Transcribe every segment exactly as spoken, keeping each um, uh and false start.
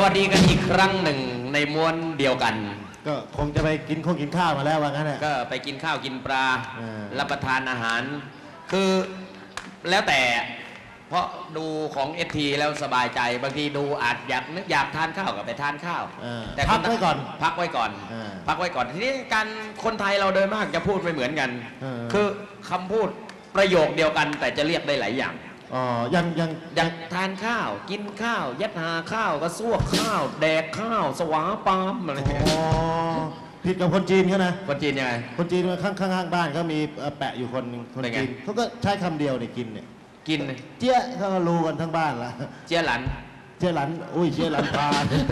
วัสดีกันอีกครั้งหนึ่งในม้วนเดียวกันก็คงจะไปกินข้าวกินข้าวมาแล้วว่างั้นแหละก็ไปกินข้าวกินปลา uh. รับประทานอาหารคือแล้วแต่เพราะดูของเอสทีแล้วสบายใจบางทีดูอาจอยากนึกอยากทานข้าวก็ไปทานข้าว uh. แต่พักไว้ก่อนพักไว้ก่อน uh. พักไว้ก่อนทีนี้การคนไทยเราโดยมากจะพูดไม่เหมือนกัน uh. คือคำพูดประโยคเดียวกันแต่จะเรียกได้หลายอย่างอ๋อยังยังยังทานข้าวกินข้าวยัดหาข้าวกระซวกข้าวแดกข้าวสวาปามอะไรอย่างเงี้ยอ๋อผิดกับคนจีนเขานะคนจีนยังไงคนจีนข้างข้างบ้านเขามีแปะอยู่คนหนึ่งคนจีนเขาก็ใช้คำเดียวเนี่ยกินเนี่ยกินเจี๊ยเขาก็รู้กันทั้งบ้านละเจี๊ยหลันเจี๊ยหลันอุ้ยเจี๊ยหลันปลา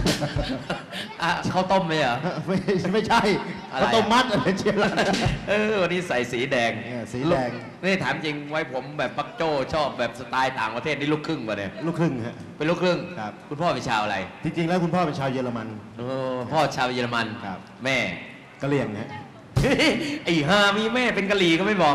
ข้าวต้มไหมเหรอไม่ไม่ใช่ข้าวต้มมัดอะไรเจี๊ยหลันเออวันนี้ใส่สีแดงสีแดงนี่ถามจริงไว้ผมแบบปักโจ้ชอบแบบสไตล์ต่างประเทศนี่ลูกครึ่งป่ะเนี่ยลูกครึ่งฮะเป็นลูกครึ่งครับคุณพ่อเป็นชาวอะไรจริงๆแล้วคุณพ่อเป็นชาวเยอรมันโอ้พ่อชาวเยอรมันครับแม่กะเหรี่ยงฮะไอ้ฮามีแม่เป็นกะหรี่ก็ไม่บอก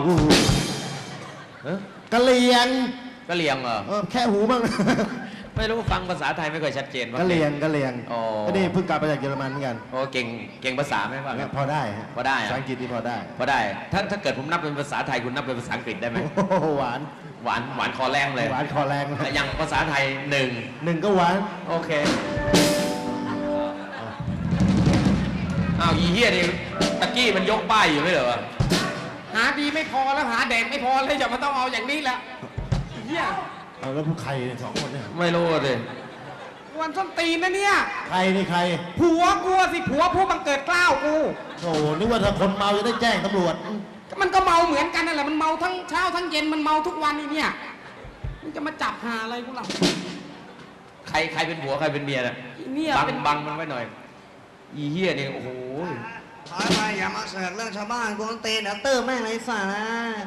กะเหรี่ยงกะเหรี่ยงเหรอแค่หูบ้างไม่รู้ฟังภาษาไทยไม่ค่อยชัดเจนกะเหรี่ยงกะเหรี่ยงก็นี่เพิ่งกลับมาจากเยอรมันเหมือนกันโอ้เก่งเก่งภาษาไหมว่าพอได้พอได้ภาษาอังกฤษที่พอได้พอได้ถ้าถ้าเกิดผมนับเป็นภาษาไทยคุณนับเป็นภาษาอังกฤษได้ไหมหวานหวานหวานคอแรงเลยหวานคอแรงอย่างภาษาไทยหนึ่งหนึ่งก็หวานโอเคอ้าวอีเหี้ยนี่ตะกี้มันยกป้ายอยู่ไม่เหรอหาดีไม่พอแล้วหาเด็กไม่พอเลยอย่ามาต้องเอาอย่างนี้ละเหี้ยแล้วผู้ใครสองคนเนี่ยไม่รู้เลยวันส้นตีนนะเนี่ยใครนี่ใครผัวกูสิผัวผู้บังเกิดเกล้ากูโอ้นึกว่าถ้าคนเมาจะได้แจ้งตำรวจมันก็เมาเหมือนกันนั่นแหละมันเมาทั้งเช้าทั้งเย็นมันเมาทุกวันนี่เนี่ยมันจะมาจับหาอะไรกูล่ะใครใครเป็นผัวใครเป็นเมียน่ะเนี่ยบังบังมันไว้หน่อยอีเหี้ยนี่โอ้โหถอยไปอย่ามาเสือกเรื่องชาวบ้านกูต้องเตะเดี๋ยวเติมแม่งไรสาระ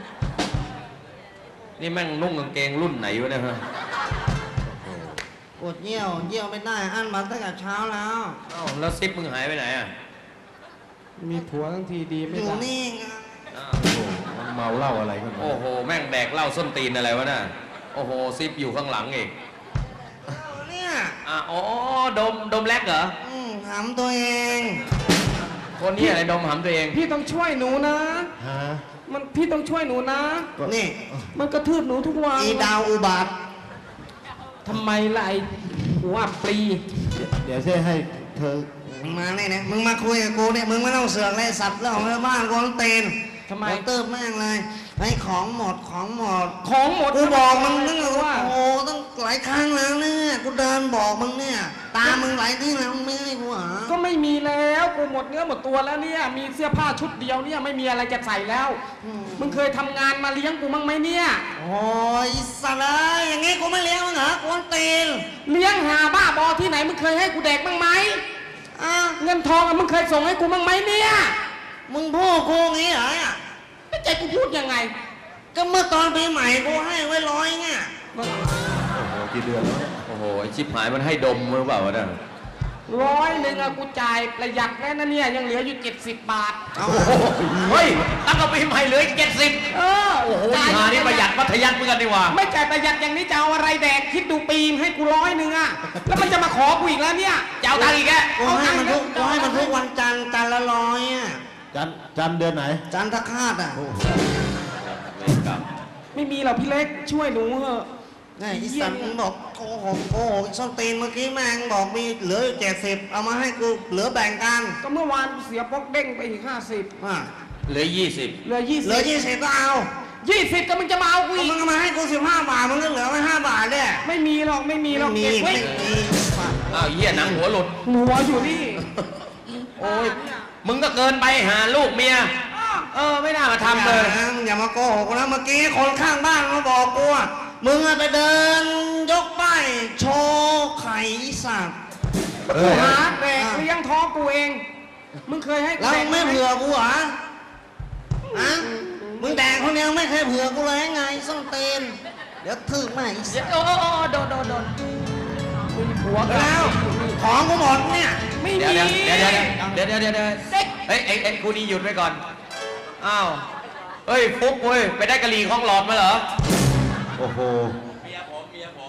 นี่แม่งนุ่งกางเกงรุ่นไหนวะเนี่ยฮะปวดเยี่ยวเยี่ยวไม่ได้อั้นมาตั้งแต่เช้าแล้วเอ้าแล้วซิปมึงหายไปไหนอ่ะมีผัวทั้งทีดีไม่ได้อยู่นี่ไงโอ้โหเมาเหล้าอะไรกันโอ้โหแม่งแดกเหล้าส้นตีนอะไรวะน่ะโอ้โหซิปอยู่ข้างหลังอีกเนี่ยอ่ะอ๋อดมดมแลกเหรออืมหำตัวเองคนนี้อะไรดมหำตัวเองพี่ต้องช่วยหนูนะฮะมันพี่ต้องช่วยหนูนะนี่มันกระทืบหนูทุกวันอีดาวอุบาททำไมล่ะไอ้หัวปลีเดี๋ยวเช่ให้เธอมึงมาเนี่ยนะมึงมาคุยกับกูเนี่ยมึงไม่ต้องเสือกเลยสัตว์เรื่องของชาวบ้านกูต้องเตนทำไมเติมแม่งเลยไอ้ของหมดของหมดของหมดกูบอกมึงตั้งว่าโอ้ตั้งหลายครั้งแล้วเนี่ยกูเดินบอกมึงเนี่ยตามึงหลายที่แล้วมึงไม่ให้กูหาก็ไม่มีแล้วกูหมดเนื้อหมดตัวแล้วเนี่ยมีเสื้อผ้าชุดเดียวเนี่ยไม่มีอะไรจะใส่แล้วมึงเคยทำงานมาเลี้ยงกูมั้งไหมเนี่ยโอ้ยสัตว์เลยอย่างงี้กูไม่เลี้ยงมึงเหรอกูตีนเลี้ยงหาบ้าบอที่ไหนมึงเคยให้กูแดกบ้างไหมอ่ะเงินทองมึงเคยส่งให้กูบ้างไหมเนี่ยมึงพูดกูงี้เหรอไม่ใจกูพูดยังไงก็เมื่อตอนปีใหม่กูให้ไว้ร้อยเงี้ยโอ้โหกี่เดือนแล้วโอ้โหชิบหายมันให้ดมหรือเปล่าวะเนี่ยร้อยหนึ่งอะกูจ่ายประหยัดแค่นั้นเนี่ยยังเหลืออยู่เจ็ดสิบบาทเฮ้ยตั้งแต่ปีใหม่เหลือเจ็ดสิบเออโอ้โหหานี่ประหยัดมัธยัสถ์เหมือนกันดีว่าไม่จ่ายประหยัดอย่างนี้จะเอาอะไรแดกคิดดูปีให้กูร้อยหนึ่งอะแล้วมันจะมาขอกูอีกแล้วเนี่ยจะเอาตังค์อีกแกกูให้มันทุกกูให้มันทุกวันจันทร์จันทร์ละร้อยอะจันจันเดือนไหนจันทคาตอ่ะไม่มีหรอกพี่เล็กช่วยหนูเถอะนี่อีสันบอกโอ้โหโอ้โหส้นตีนเมื่อกี้แม่งบอกมีเหลือเจ็ดสิบเอามาให้กูเหลือแบ่งกันก็เมื่อวานเสียป๊อกเด้งไปอีกห้าสิบอ่ะเหลือยี่สิบเหลือยี่สิบเหลือยี่สิบก็เอายี่สิบก็มึงจะมาเอากูอีกมึงก็มาให้กูสิบห้าบาทมึงก็เหลือไว้ห้าบาทเนี่ยไม่มีหรอกไม่มีหรอกเก็บไว้อ้าวเหี้ยหนังหัวหลุดหัวอยู่นี่โอ้ยมึงก็เกินไปหาลูกเมียเออไม่น่ามาทำเลยอย่ามาโกหกนะเมื่อกี้คนข้างบ้านมาบอกกูว่ามึงไปเดินยกป้ายโชว์ไข่สัตว์กูหาแดกเลี้ยงท้องกูเองมึงเคยให้แล้วไม่เผื่อกูเหรอฮะมึงแดกคนเดียวไม่เคยเผื่อกูเลยไงส้นเตนเดี๋ยวถึกแม่อีสัตว์โอ้โอ้โดนโดนโดนหัวแล้วของกูหมดเนี่ยไม่มีเดี๋ยวเดี๋ยวเดี๋ยวเดี๋ยวเดี๋ยวเดี๋ยวเฮ้ยเอ้ยคู่นี้หยุดไว้ก่อนอ้าวเฮ้ยฟุ๊กเว้ยไปได้กะหรี่ของหลอดมาเหรอโอ้โหเมียผมเมียผม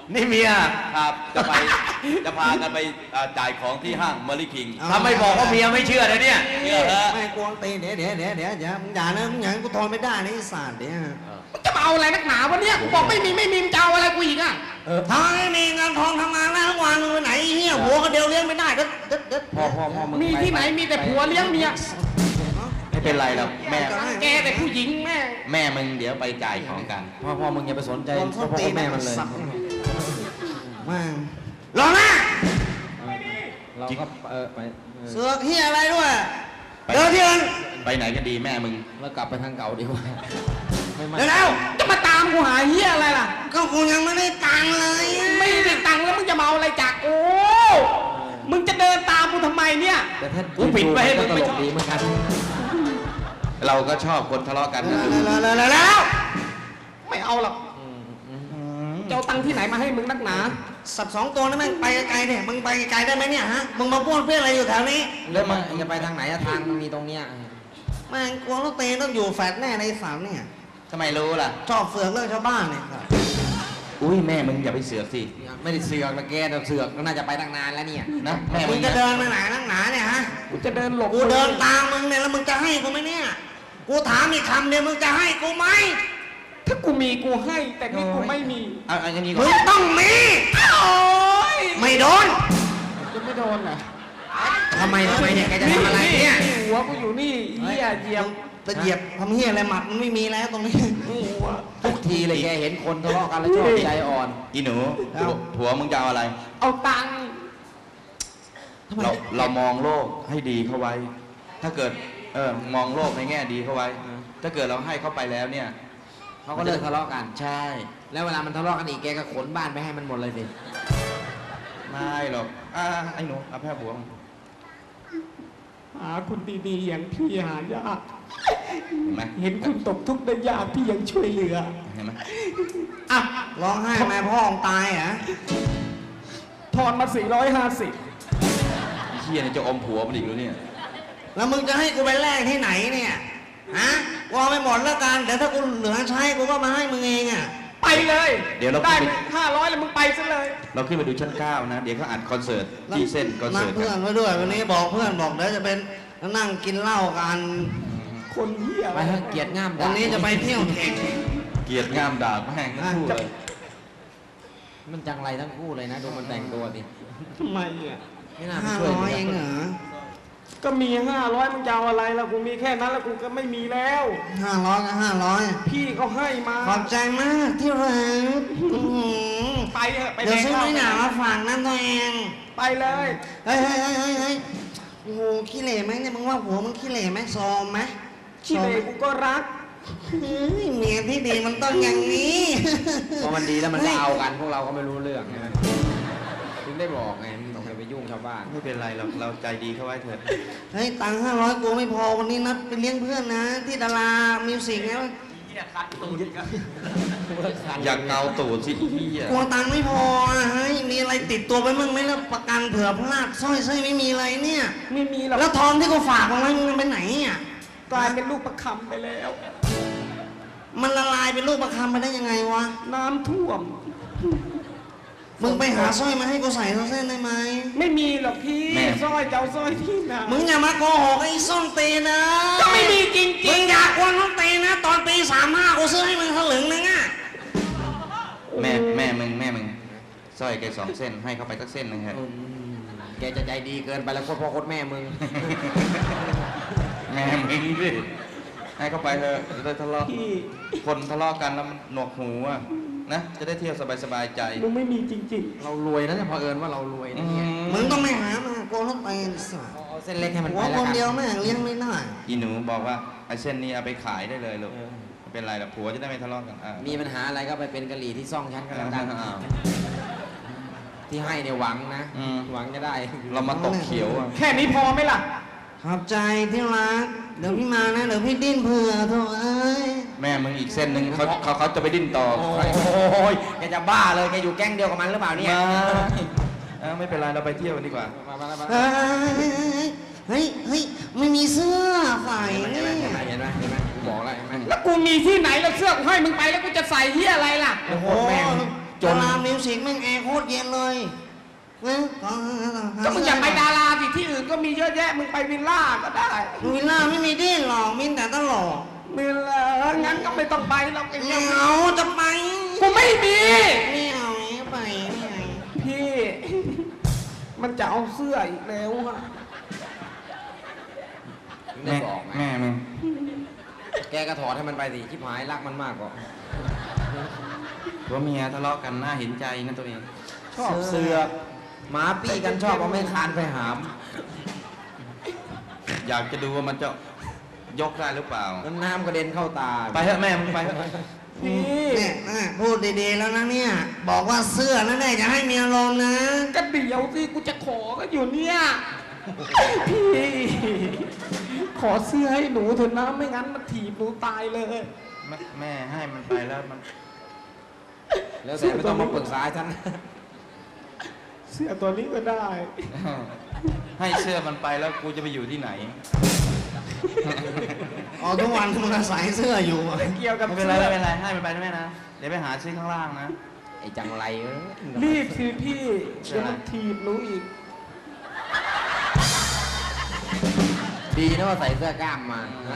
นี่เมียครับจะไปจะพากันไปเอ่อจ่ายของที่ห้างเมอรี่คิงถ้าไม่บอกว่าเมียไม่เชื่อเลยเนี่ยเชื่อฮะไม่กวงตีเดี๋ยวเดี๋ยวเดี๋ยวเดี๋ยวอย่ามึงอย่านะมึงอย่าให้กูทนไม่ได้นะไอ้สัตว์เดี๋ยวมึงจะมาเอาอะไรนักหนาวะเนี่ยกูบอกไม่มีไม่มีมึงจะเอาอะไรกูอีกอ่ะทำไมไม่มีเงินทองทำงานแล้วทั้งวันมึงไปไหนเฮียหัวก็เดียวเลี้ยงไม่ได้เด็ดเด็ดเด็ดพ่อพ่อพ่อมึงมีที่ไหนมีแต่ผัวเลี้ยงเมียไม่เป็นไรหรอกแม่แกแต่ผู้หญิงแม่แม่มึงเดี๋ยวไปจ่ายของกัน พ่อพ่อมึงอย่าไปสนใจโดนพ่อส้นพ่อตีนแม่มันเลยสัตว์แม่งรอนะเราก็เออไปเสือกเฮียอะไรด้วยไปเดินที่อื่นไปไหนก็ดีแม่มึงแล้วกลับไปทางเก่าดีกว่าไม่มั่นเดี๋ยวแล้วจะมาตามกูหาเฮียอะไรล่ะก็กูยังไม่ได้ตังค์เลยอะไม่ได้ตังค์แล้วมึงจะมาเอาอะไรจากกูมึงจะเดินตามกูทำไมเนี่ยแต่ถ้ากูปิดไปให้มึงไม่ชอบดีเหมือนกันเราก็ชอบคนทะเลาะกันนะแล้วแล้วแล้วแล้วไม่เอาหรอกจะเอาตังค์ที่ไหนมาให้มึงนักหนาสัตว์สองตัวนั่นแม่งไปไกลๆเนี่ยมึงไปไกลๆได้ไหมเนี่ยฮะมึงมาป้วนเปี้ยนอะไรอยู่แถวนี้แล้วมึงจะไปทางไหนอะทางมันมีตรงเนี้ยแม่งกลัวรถเตต้องอยู่แฟดแน่ในสามเนี่ยทำไมรู้ล่ะชอบเสือกเรื่องชาวบ้านเนี่ยครับอุ้ยแม่มึงอย่าไปเสือกสิไม่ได้เสือกนะแกแต่เสือกก็น่าจะไปตั้งนานแล้วเนี่ยนะแม่มึมึงงจะนะเดินไปไหนนักหนาเนี่ยฮะกูจะเดินหลบกูเดินตามมึงเนี่ยแล้วมึงจะให้กูไหมเนี่ยกูถามอีกคำเดียวมึงจะให้กูไหมถ้ากูมีกูให้ แต่นี่กูไม่มีเอาเอาอย่างนี้ก่มึอง นต้องมีโอ๊ยไม่โดนจะไม่โดนเหรอทำไมทำไมเนี่ยแกจะทำอะไรเนี่ยหัวกูอยู่นี่เหี้ยเหยียบจะเหยียบทำเหี้ยอะไรหมัดมันไม่มีแล้วตรงนี้นี่หัวทุกทีเลยแกเห็นคนทะเลาะกันแล้วชอบใจอ่อนอีหนูเอาผัวมึงจะเอาอะไรเอาตังค์เราเรามองโลกให้ดีเข้าไว้ ถ้าเกิดเออมองโลกในแง่ดีเข้าไว้ ถ้าเกิดเราให้เข้าไปแล้วเนี่ยเขาก็เลิกทะเลาะกันใช่แล้วเวลามันทะเลาะกันอีกแกก็ขนบ้านไปให้มันหมดเลยสิไม่หรอกอ่าไอ้หนูเอาแพ้ผัวมึงหาคุณดีๆอย่างพี่หายากเห็นไหมเห็นคุณตกทุกข์ได้ยากพี่ยังช่วยเหลือเห็นไหมอ่ะร้องไห้แม่พ่อของตายเหรอทอนมาสี่ร้อยห้าสิบไอ้เฮียเนี่ยจะอมผัวมันอีกแล้วเนี่ยแล้วมึงจะให้กูไปแลกที่ไหนเนี่ยฮะกูเอาไปหมดแล้วกันเดี๋ยวถ้ากูเหลือใช้กูก็มาให้มึงเองอ่ะไปเลยเดี๋ยวเราได้ขึ้นไปห้าร้อยแล้วมึงไปซะเลยเราขึ้นไปดูชั้นเก้านะ เดี๋ยวเขาอัดคอนเสิร์ตที่เส้นคอนนัเสิดร์ตเพื่กัอนนไว้ด้วยวันนี้บอกเพื่อนบอกเดี๋ยวจะเป็นนั่งกินเหล้ากันคนเหี้ยไปเถอะเกลียดง่ามวันนี้จะไปเที่ยวเทคเกลียดงามด่าแม่งทั้งคู่เลยมันจังไรทั้งคู่เลยนะดูมันแต่งตัวดิทำไมอ่ะไม่น่าไปห้าช่วยร้อยเลยเองเหรอก็มีห้าร้อยมึงจะเอาอะไรล่ะกูมีแค่นั้นแล้วกูก็ไม่มีแล้วห้าร้อยก็ห้าร้อยพี่เขาให้มาขอบใจมากที่รักอื้อหือไปเถอะไปเดี๋ยวซื้อแดกไม่หนาเหล้มาฝากนั่นตัวเองไปเลยเฮ้ยเฮ้ยเฮ้ยเฮ้ยเฮ้ยโอ้โหขี้เหร่ไหมเนี่ยมึงว่าผัวมึงขี้เหร่ไหมซอมไหมขี้เหร่กูก็รักเฮ้ยเมียที่ดีมันต้องอย่างนี้พอมันดีแล้วมันก็เอากันพวกเราก็ไม่รู้เรื่องใช่ไหมถึงได้บอกไงมึงต้องไปยุ่งชาวบ้านไม่เป็นไรหรอกเราใจดีเข้าไว้เถิดเฮ้ยตังค์ห้าร้อยกูไม่พอวันนี้นัดไปเลี้ยงเพื่อนนะ ที่ดารามิวสิกไงอยากเกาตูดสิไอ้เฮียกลัวตังค์ไม่พออ่ะเฮ้ยมีอะไรติดตัวไปมั่งไหมแล้วประกันเผื่อพลาดสร้อยสร้อยไม่มีอะไรเนี่ยไม่มีหรอกแล้วทองที่กูฝากเอาไว้มันไปไหนอ่ะกลายเป็นลูกประคำไปแล้วมันละลายเป็นลูกประคำไปได้ยังไงวะน้ำท่วมมึงไปหาสร้อยมาให้กูใส่สักเส้นได้ไหมไม่มีหรอกพี่สร้อยเจ้าสร้อยที่ไหนมึงอย่ามาโกหกไอ้ส้นตีนนะก็ไม่มีจริงมึงอยากกวนส้นตีนนะ ตอนปีสามห้ากูซื้อให้มึงถลึงนึงอ่ะแม่แม่มึงแม่มึงสร้อยแกสองเส้นให้เข้าไปสักเส้นหนึงเถอะอืมแกจะใจดีเกินไปแล้วโคตรพ่อโคตรแม่มึงแม่มึงดิให้เข้าไปเถอะจะได้ทะเลาะๆพี่คนทะเลาะกันแล้วมันหนวกหูอะนะจะได้เที่ยวสบายๆใจมึงไม่มีจริงเรารวยนะเนี่ยพอเอิญว่าเรารวยอืนะเนี่ยมมึงต้องไม่หามาโกนส้นตีนสัสเอาเส้นเล็กให้มันหัไปวแล้ควน กันเดียวแม่งเลี้ยงไม่ได้อีหนูบอกว่าไอ้เส้นนี้เอาไปขายได้เลยลูกไม่เป็นไรหรอกผัวจะได้ไม่ทะเลาะกันอ่ะมีปัญหาอะไรก็ไปเป็นกะหรี่ที่ซ่องฉันก็แล้วกันอ้าวที่ให้เนี่ยหวังนะอืมหวังจะได้เรามาตกเขียวอะๆ แค่นี้พอไหมล่ะขอบใจที่รัก เดี๋ยวพี่มานะ เดี๋ยวพี่ดิ้นเผื่อโถเอ้ยแม่มึงอีกเส้นหนึ่งเขาเขาเขาจะไปดิ้นต่อโอ้ยแกจะบ้าเลยแกอยู่แก๊งเดียวกับมันหรือเปล่าเนี่ยมาเอ้าไม่เป็นไรเราไปเที่ยวกันดีกว่ามามามาเฮ้ยเฮ้ยเฮ้ยไม่มีเสื้อใส่เห็นเนี่ไหมยเห็นไหมเห็นไหมเห็นไหมกูบอกแล้วเห็นไหมแล้วกูมีที่ไหนแล้วเสื้อกูให้มึงไปแล้วกูจะใส่ที่อะไรล่ะโอ้โหโอ้แม่งจนลามิวสิกแม่งแอร์โคตรเย็นเลยนะก็มึงอยากไปดาราสิที่อื่นก็มีเยอะแยะมึงไปวิลล่าก็ได้วิลล่าไม่มีดิ้นหรอกมีแต่ตลกวิลล่างั้นก็ไม่ต้องไปเราไปไม่เที่ยวเอาจะไปกูไม่มีไม่เอาไม่ไปไม่เอาพี่ มันจะเอาเสื้ออีกแล้วอะถึงได้บอกไงแม่มึงแกก็ถอดให้มันไปสิชิบหายรักมันมากกว่าผัวเมียทะเลาะกันน่าเห็นใจนะตัวเองชอบเสือกหมาปี้กันชอบเอาไม่คานไปหามอยากจะดูว่ามันจะยกได้หรือเปล่าแล้วน้ำกระเด็นเข้าตาไปเถอะแม่มึงไปเถอะพี่เนี่ยนะพูดดีๆแล้วนะเนี่ย บอกว่าเสื้อนั่นแหละจะให้มีอารมณ์นะก็เดี๋ยวสิกูจะขอก็อยู่เนี่ยพี่ ขอเสื้อให้หนูเถอะนะไม่งั้นมันถีบหนูตายเลยแม่แม่ให้มันไปแล้วมันแล้วแต่ไม่ต้องมาปรึกษาฉันเสื้อตัวนี้ก็ได้ให้เสื้อมันไปแล้วกูจะไปอยู่ที่ไหนอ๋อทุกวันมึงอาศัยเสื้ออยู่อะไม่เกี่ยวกับไม่เป็นไรไม่เป็นไรให้มันไปนะแม่นะ เดี๋ยวไปหาซื้อข้างล่างนะไอ้จังไรเอ้ยรีบสิพี่เดี๋ยวมันถีบหนูอีกดีนะว่าใส่เสื้อกล้ามมานะ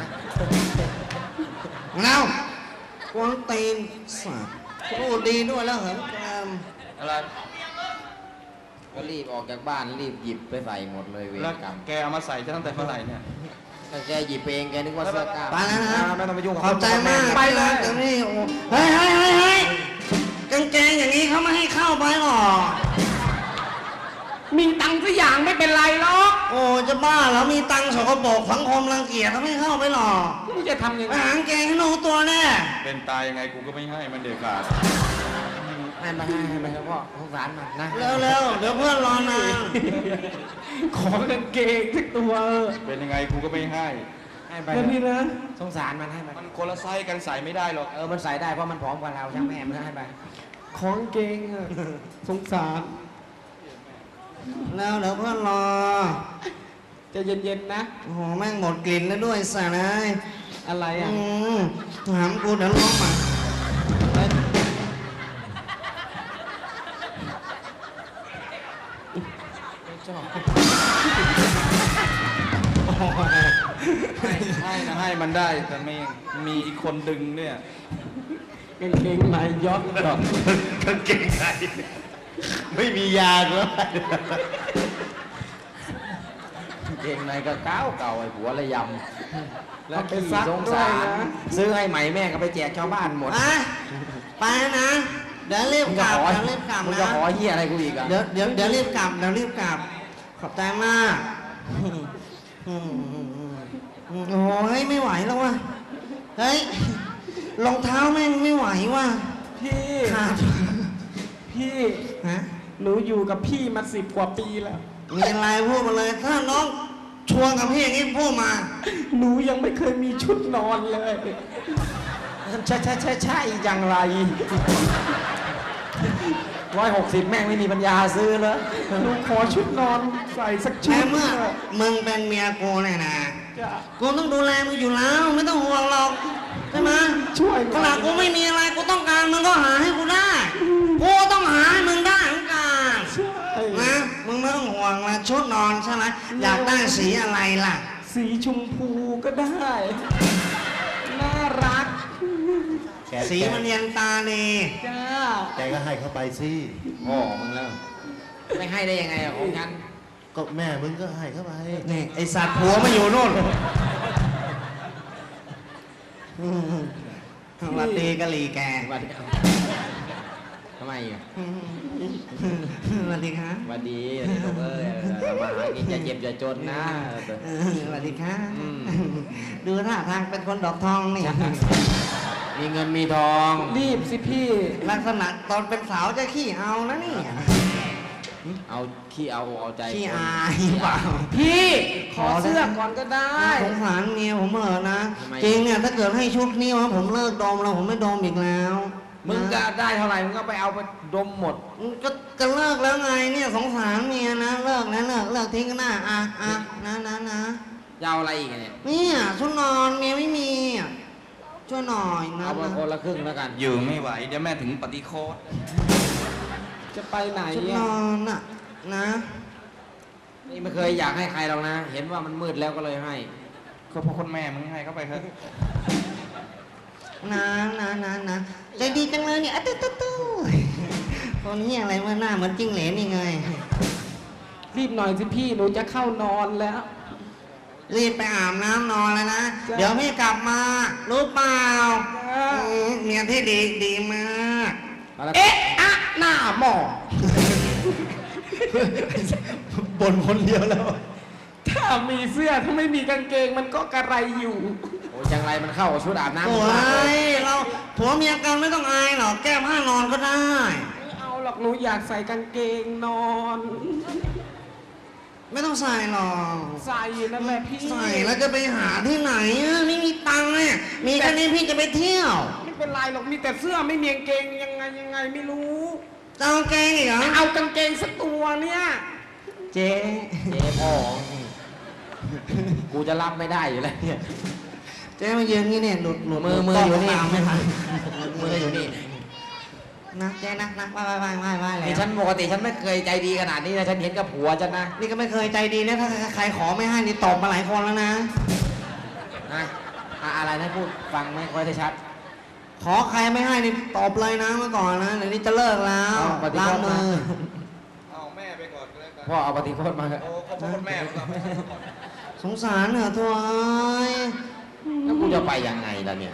แล้วกวนตีนสัตว์พูดดีด้วยแล้วเหินแกมอะไรก็รีบออกจากบ้านรีบหยิบไปใส่หมดเลยเวรแล้วกรรมแกเอามาใส่ตั้งแต่เมื่อไหร่เนี่ยถ้าแกหยิบเองแกนึกว่าเสื้อกล้ามไปแล้วนะไม่ต้องไปยุ่งกับขอบใจมากไปเลยเดี๋ยวนี้โอ้เฮ้ยเฮ้ยเฮ้ยเฮ้ยกางเกงอย่างนี้เขาไม่ให้เข้าไปหรอกมีตังค์สักอย่างไม่เป็นไรหรอกโอ้จะบ้าเหรอมีตังค์สกปรกสังคมรังเกียจเขาไม่เข้าไปหรอกมึงจะทำยังไปไงหากางเกงให้หนูตัวแน่เป็นตายยังไงกูก็ไม่ให้มันเด็ดขาดให้มาให้ให้มาเฉพาะสงสารมันนะเร็วๆเดี๋ยวเพื่อนรอนานขอกางเกงสักตัวเออเป็นยังไงกูก็ไม่ให้ให้ไปแล้วพี่นะสงสารมันให้มันมันคนละไซส์กันใส่ไม่ได้หรอกเออมันใส่ได้เพราะมันผอมกว่าเราช่างแม่มันให้ไปขอกางเกงอะสงสารแล้วเดี๋ยวเพื่อนรอใจะเย็นๆนะโอ้โหแม่งหมดกลิ่นแล้วด้วยสัตว์เลยอะไรอ่ะอืมถามกูเดี๋ยวล้มอ่ะชอบให้ให้นะให้มันได้แต่ไม่มีอีกคนดึงเนี่ยกางเกงในย้อนดอกกางเกงในไม่มียางแล้วเกงในก็เก้าเก่าไอ้หัวระยำแล้วเอาไปขี้ซักสงด้วสาย รนะซื้อให้ใหม่แม่ก็ไปแจกชาวบ้านหมดอ่ะไปนะ เดี๋ยวรีบมึงกจะลับขอเดี๋ยวรีบกลับมึงนะจะขอเฮียอะไรกูอีกอ่ะเดี๋ยวเดี๋ยวเดี๋ยวรีบกลับเดี๋ยวรีบกลับ ขอบใจมากอืมโอ้โหเฮ้ยไม่ไหวแล้วว่ะเฮ้ยรองเท้าแม่งไม่ไหวว่ะพี่ขาดพี่ฮะหนูอยู่กับพี่มาสิบกว่าปีแล้วมีอะไรพูดมาเลย ถ้าน้องชวนกับพี่อย่างนี้พูดมาหนูยังไม่เคยมีชุดนอนเลยใช่ใช่ใช่ใช่อย่างไรร้อยหกสิบแม่งไม่มีปัญญาซื้อเลยหนูขอชุดนอนใส่สักชุแค่ดเมื่อมึงเป็นเมียกูเนี่ยนะจะกูต้องดูแลมึงอยู่แล้ว ไม่ต้องห่วงหรอกใช่ไหมช่วยขนาดกูไม่มีอะไรกูต้องการมึงก็หาให้กูได้กูต้องหาให้มึงได้เหมือนกันใช่นะมึงไม่ต้องห่วงละชุดนอนใช่ไหมอยากได้สีอะไรล่ะสีชมพูก็ได้ น่ารักแกสีมันเย็นตาดีจ้าแกก็ให้เขาไปสิพ่อมึงแล้วไม่ให้ได้ยังไงอะของฉันก็แม่มึงก็ให้เขาไปนี่ไอสัตว์ผัวมาอยู่โน่นอืมสวัสดีกะหรี่แกสวัสดีครับทำไมอ่ะสวัสดีครับสวัสดีสวัสดีลูกเอ้ยเออมาหากินอย่าเจ็บอย่าจนนะเออสวัสดีครับอืมดูท่าทางเป็นคนดอกทองนี่มีเงินมีทองรีบสิพี่ลักษณะตอนเป็นสาวจะขี้เอานะนี่เอาขี้เอาเอาใจขี้คนอายเปล่าพี่ ขอเสื้อก่อนก็ได้สงสารเมียผมเหรอนะ จริงเนี่ยถ้าเกิดให้ชุดนี้ว่าผมเลิกดมแล้วผมไม่ดมอีกแล้วมึงจะได้เท่าไหร่มึงก็ไปเอาไปดมหมดก็จะเลิกแล้วไงเนี่ยสงสารเมียนะเลิกแล้วเลิกเลิกทิ้งกันนะอ่ะอ่ะนะนะนะจะเอาอะไรอีกอะเนี่ยเนี่ยชุดนอนเมียไม่มีอ่ะช่วยหน่อยนะเอาไปคนละครึ่งแล้วกันอยู่ไม่ไหว เดี๋ยวแม่ถึงปฏิโคตจะไปไหนชุดนอ่ะอนน่ะนะนี่ไม่เคยอยากให้ใครหรอกนะ เห็นว่ามันมืดแล้วก็เลยให้ก็เพราะคนแม่มึงให้เข้าไปเถอะนะนะนะนะใจดีจังเลยเนี่ยอะตุ๊ตุ๊ตุ๊คนนี้อะไรวะหน้าเหมือนจิ้งเหลนนี่ไงรีบหน่อยสิพี่หนูจะเข้านอนแล้วรีบไปอาบน้ำนอนแล้วนะจ้ะเดี๋ยวพี่กลับมา รู้เปล่าจ้ะอืมเมียที่ดีดีมากเอ๊ะอะหน้าหมอบนคนเดียวแล้วถ้ามีเสื้อถ้าไม่มีกางเกงมันก็กระไรอยู่โอ้ยจังไรมันเข้ากับชุดอาบน้ำโอ้มากเลยยเราผัวเมียกันไม่ต้องอายหรอกแก้ผ้านอนก็ได้ไม่เอาหรอกหนูอยากใส่กางเกงนอนไม่ต้องใส่หรอกใส่นั่นแหละพี่ใส่แล้วจะไปหาที่ไหนอะไม่มีตังค์เนี่ยมีแค่นี้พี่จะไปเที่ยวไม่เป็นไรหรอกมีแต่เสื้อไม่มีกางเกงยังไงยังไงไม่รู้จะเอาแกงอีกเหรอเอากางเกงสักตัวเนี่ยเจ๊เจ๊พ่อกูจะรับไม่ได้อยู่แล้วเนี่ยเจ๊มายืนนี่เนี่ยหลุดหลุดมือมืออยู่นี่ตามไม่ทันมืออยู่นี่นะเจ๊นะนะไหว้ไหว้ไหว้ไหว้ไหว้นี่แล้วฉันปกติฉันไม่เคยใจดีขนาดนี้นะฉันเห็นกับผัวฉันนะนี่ก็ไม่เคยใจดีนะถ้าใครขอไม่ให้นี่ตบมาหลายคนแล้วนะนะอะอะไรนะพูดฟังไม่ค่อยได้ชัดขอใครไม่ให้นี่ตบเลยนะเมื่อก่อนนะเดี๋ยวนี้จะเลิกแล้วเอาปฏิล้าโทงษมืมาอเอาแม่ไปก่อนก็แล้วกันพ่อเอาปฏิโทษมาเถอะโอ้ก็เพราะคนแม่มึงก่อนสงสารเหรอตัวเอ้ยแล้วกูจะไปยังไงล่ะเนี่ย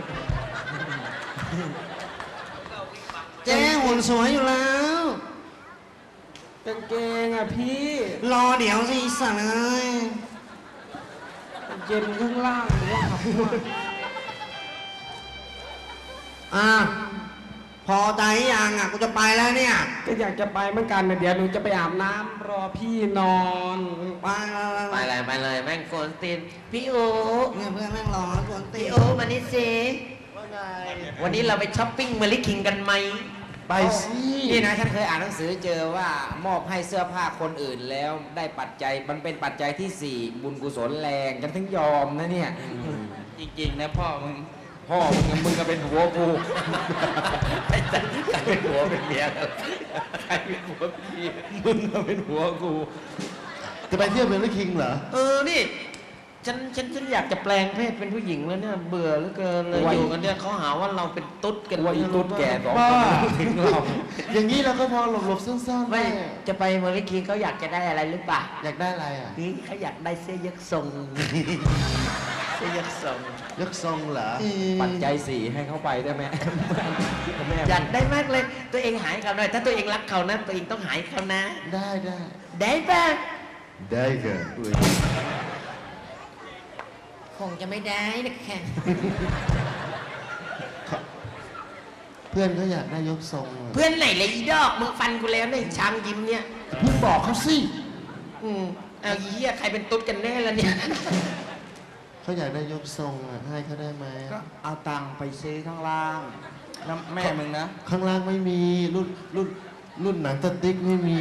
เจ๊หุ่นสวยอยู่แล้วกางเกงอ่ะพี่รอเดี๋ยวสิอีสัตว์เอ้ยเย็นข้างล่างหรือว่าขับมาอ่ะพอใจยังอ่ะกูจะไปแล้วเนี่ยก็อยากจะไปเหมือนกันนะเดี๋ยวหนูจะไปอาบน้ำรอพี่นอนไปไปไปไปเลยไปเลยแม่งโกนตีนพี่โอเนี่ยเพื่อนแม่งรอแล้วกวนตีพี่โอมานี่สิวันนี้เราไปช้อปปิ้งเมลิคิงกันไหมไปสินี่นะฉันเคยอ่านหนังสือเจอว่ามอบให้เสื้อผ้าคนอื่นแล้วได้ปัจจัยมันเป็นปัจจัยที่สี่บุญกุศลแรงฉันถึงยอมนะเนี่ยจริงๆนะพ่อมึงพ่อมึงมึงก็เป็นหัวกูไอ้จันใครเป็นหัวเป็นเมียกันใครเป็นหัวพี่มึงก็เป็นหัวกูจะไปเที่ยวเมลคิงเหรอเออนี่ฉันฉันฉันอยากจะแปลงเพศเป็นผู้หญิงแล้วเนี่ยเบื่อเหลือเกินเลยอยู่กันเนี่ยเขาหาว่าเราเป็นตุ๊ดกันว่าอีตุ๊ดแก่สองบ้าคนถึงเราอย่างนี้เราก็พอหลบๆซ่อนๆไม่ได้จะไปเมลิคิงเขาอยากจะได้อะไรหรือเปล่าอยากได้อะไรอ่ะนี่เขาอยากได้เสื้อยกทรง เสื้อยกทรงยกทรงเหรอปัจจัยสี่ให้เข้าไปได้ไหมแม่อยากได้มากเลย ตัวเองหายเขาหน่อยถ้าตัวเองรักเขานะ ตัวเองต้องหายเขานะได้ได้ได้ป่ะได้เกินคงจะไม่ได้นะคะเพื่อนเขาอยากได้ยกทรงอะเพื่อนไหนเลยอีดอกมึงฟันกูแล้วเนี่ยช้างยิ้มเนี่ยเพิ่งบอกเขาสิอืมเอาอีเหี้ยใครเป็นตุ๊ดกันแน่ละเนี่ยเขาอยากได้ยกทรงอ่ะให้เขาได้ไหมก็เอาตังค์ไปซื้อข้างล่างแล้วแม่มึงนะข้างล่างไม่มีรุ่นรุ่นรุ่นหนังสติ๊กไม่มี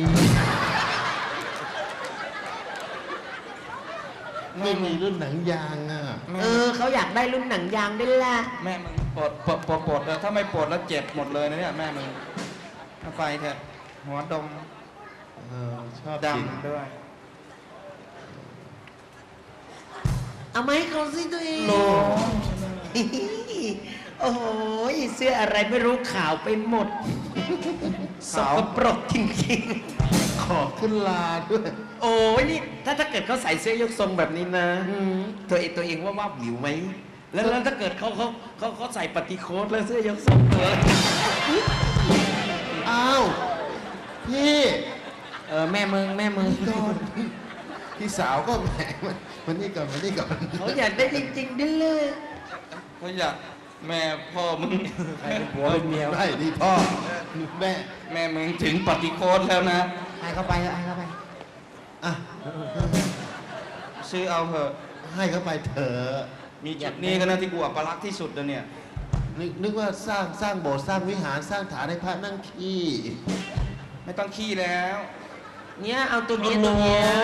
ไม่มีรุ่นหนังยางอ่ะแม่เออเขาอยากได้รุ่นหนังยางด้วยล่ะแม่มึงปวดปวดปวดปวดเลยถ้าไม่ปวดแล้วเจ็บหมดเลยนะเนี่ยแม่มึงเอาไปเถอะหัวดมเออชอบจริงดำด้วยเอาไหมาให้เขาสิตัวเองโอ้โหเสื้ออะไรไม่รู้ขาวไปหมดสขาวกปรกจริงขอขึ้นลาด้วยๆ โอ้ยนี่ถ้าถ้าเกิดเขาใส่เสื้อยกทรงแบบนี้นะตัวเองตัวเองว่าว่าวิวไหมแล้วแล้วถ้าเกิดเขาเขาเขาเขาใส่ปฏิโคตแล้วเสื้อยกทรงตัวอ้าว พี่เออแม่มึงแม่มึงพี่ก่อนพี่สาวก็แหมมันนี่ก่อนมันนี่ก่อนเขาอยากได้จริงๆด้วยเลยเขาอยากแม่พ่อมึงใครเป็นผัวเป็นเมียได้ดีพ่อแม่แม่มึงถึงปฏิโคตแล้วนะให้เข้าไปเถอะให้เข้าไปอ่ะซื้อเอาเถอะให้เขาไปเถอะมีจุดนี้ก็น่าที่กูอัปลักษณ์ที่สุดแล้วเนี่ยนึกนึกว่าสร้างสร้างโบสถ์สร้างวิหารสร้างฐานให้พระนั่งขี้ไม่ต้องขี้แล้วเนี่ยเอาตัวเนี้ยตัวเนี้ย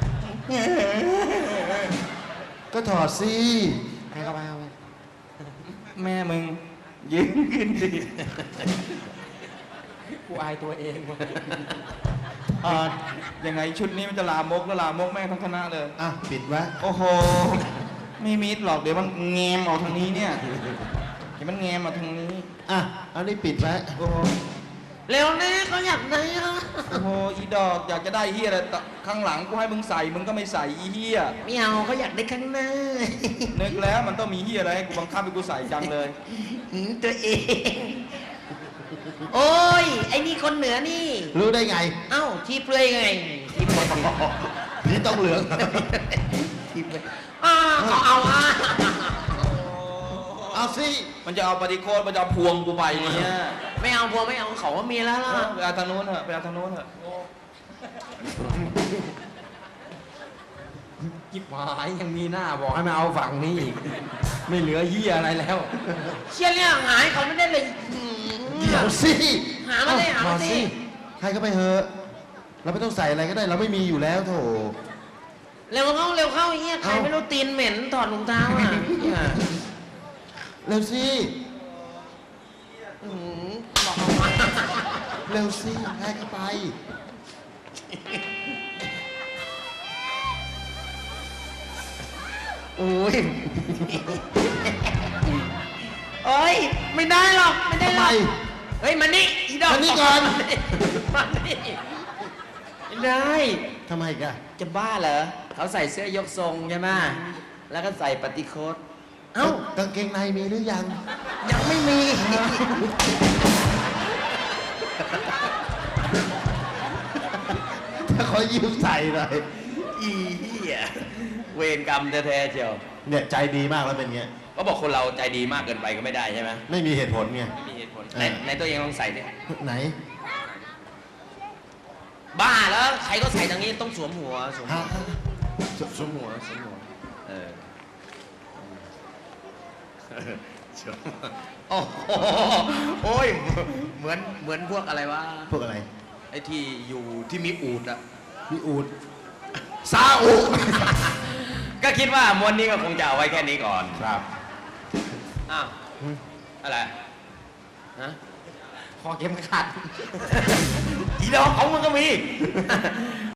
ก็ถอดสิให้เข้าไปเข้าไปแม่มึงยืนขึ้นดิกูอายตัวเองว่ะเออยังไงชุดนี้มันจะลามกแล้วลามกแม่งทั้งคณะเลยอ่ะปิดไว้โอ้โห ไม่มิดหรอกเดี๋ยวมันแงมออกทางนี้เนี่ยเดี๋ยวมันแงมออกทางนี้อ่ะเอานี่ปิดไว้โอ้โหเร็วแน่เขาอยากได้อะโอ้โหอีดอกอยากจะได้เฮียอะไรแต่ข้างหลังกูให้มึงใส่มึงก็ไม่ใส่อีเฮียไม่เอาเขาอยากได้ข้างหน้านึกแล้วมันต้องมีเฮียอะไรให้กูบังคับให้กูใส่จังเลยหืมตัวเอง โอ้ย ไอ้นี่คนเหนือนี่รู้ได้ไงเอ้าทีเปลือยไงทีเปลือยนี่ต้องเหลืองทีเปลือยอ้าเขาเอาอ่ะเอาสิมันจะเอาปฏิโคตมันจะเอาพวงกูไปเนี่ยไม่เอาพวงไม่เอาเขาว่ามีแล้วล่ะไปเอาทางโน้นเถอะไปเอาทางโน้นเถอะจิบหายยังมีหน้าบอกให้มาเอาฝั่งนี้อีกไม่เหลือเหี้ยอะไรแล้ว เชี่ยเนี่ยหายเขาไม่ได้เลยหืมเดี๋ยวสิหามาสิหามาสิให้ก็ไปเถอะเราไม่ต้องใส่อะไรก็ได้เราไม่มีอยู่แล้วโถเร็วเข้าเร็วเข้าไอ้เงี้ยใครเอ้าไม่รู้ตีนเหม็นถอดรองเท้าอ่ะเหี้ยเร็วสิหืมบอกเอามาเร็วสิให้ก็ไปโอ้ยโอ้ยไม่ได้หรอกไม่ได้หรอกทำไมเฮ้ยมานี่อีดอกมานี่ก่อนมานี่ไม่ได้ทำไมกะจะบ้าเหรอเขาใส่เสื้อยกทรงใช่ไหมแล้วก็ใส่ปฏิโคตเอ้ากางเกงในมีหรือยังยังไม่มีถ้าขอยืมใส่หน่อยอีเหี้ยเวรกรรมแท้ๆเชียวเนี่ยใจดีมากแล้วเป็นเงี้ยก็บอกคนเราใจดีมากเกินไปก็ไม่ได้ใช่ไหมไม่มีเหตุผลไงไม่มีเหตุผลเออในในตัวเองลองใส่ดิไหนบ้าแล้วใครก็ใส่ทางนี้ต้องสวมหัวสวมหัฮะวสวมหัวสวมหัวเออเชียวโอ้โหโอ้ยเหมือนเหมือนพวกอะไรวะพวกอะไรไอ้ที่อยู่ที่มีอูดอะมีอูดซาอุ ก็คิดว่ามวนนี้ก็คงจะเอาไว้แค่นี้ก่อนครับอ้าว อะไร ฮะคอเข็มขัดอีดอกของมันก็มี